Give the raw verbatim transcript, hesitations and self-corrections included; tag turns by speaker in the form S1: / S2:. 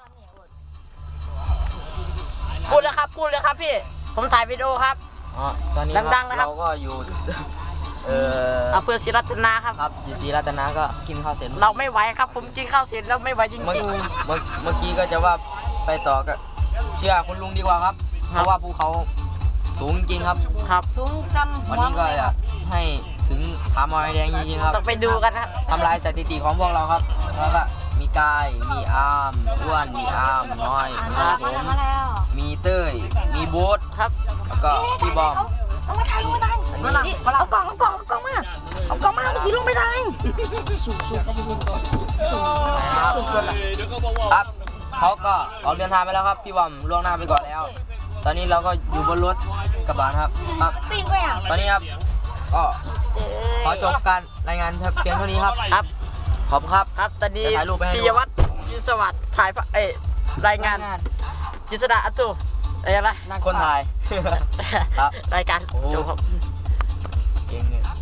S1: พูดเลยครับพูดเลยครับพี่ผมถ่ายวิดีโอครับ
S2: อ๋อตอนนี้
S1: ดังๆนะครับ
S2: เราก็อยู่เออ
S1: อำเภอศรีรัตนาครับ
S2: ครับอยู่ศรีรัตนาก็กินข้าวเสร็จ
S1: เราไม่ไหวครับ ผมกินข้าวเสร็จแล้วไม่ไหวจริง
S2: เมื่อ
S1: ๆ
S2: เมื่อเมื่อกี้ก็จะว่าไปต่อก็เชื่อคุณลุงดีกว่าครับ เพราะว่าภูเขาสูงจริงครับ
S1: ครับสูงจำ
S2: วันนี้ก็อยากให้ถึงผาหมอยแดงจริงๆครับ
S1: ต้องไปดูกันนะ
S2: ทำลายสถิติของพวกเราครับแล้วก็มีกายมีอาร์มอ้วนมีอาร์มน้อยมีผมมีเต้ยมีโบ๊ท
S1: ครับ
S2: แล้วก็พี่บอม
S1: เอามาถ่ายรูปมาถ่าย
S2: อันนี้
S1: นี่เอากล่องเอากล่องเอากล่องมาเอากล่องมาเมื่อกี้ลงไม่ได้สูงสูงกันอยู่ก่อนสูงสุดละ
S2: ครับเขาก็ออกเดินทางไปแล้วครับพี่บอมล่วงหน้าไปก่อนแล้ว ตอนนี้เราก็อยู่บนรถกระบะครับครับตอนนี้ครับก็ขอจบการรายงานเพียงเท่านี้ครับ
S1: ครับ
S2: ขอบคุณครับ
S1: ครับตอนนี้
S2: จะถ่ายรูปไปให้ดู
S1: ปิยวัฒน์ยินสวัสดิ์ถ่ายภาพเอ้ยรายงานกิษดาอัตุเอ้ยอะไร
S2: คนถ่าย ครับ
S1: รายการ
S2: โอ้
S1: จบครับ
S2: เก่งเนี่ย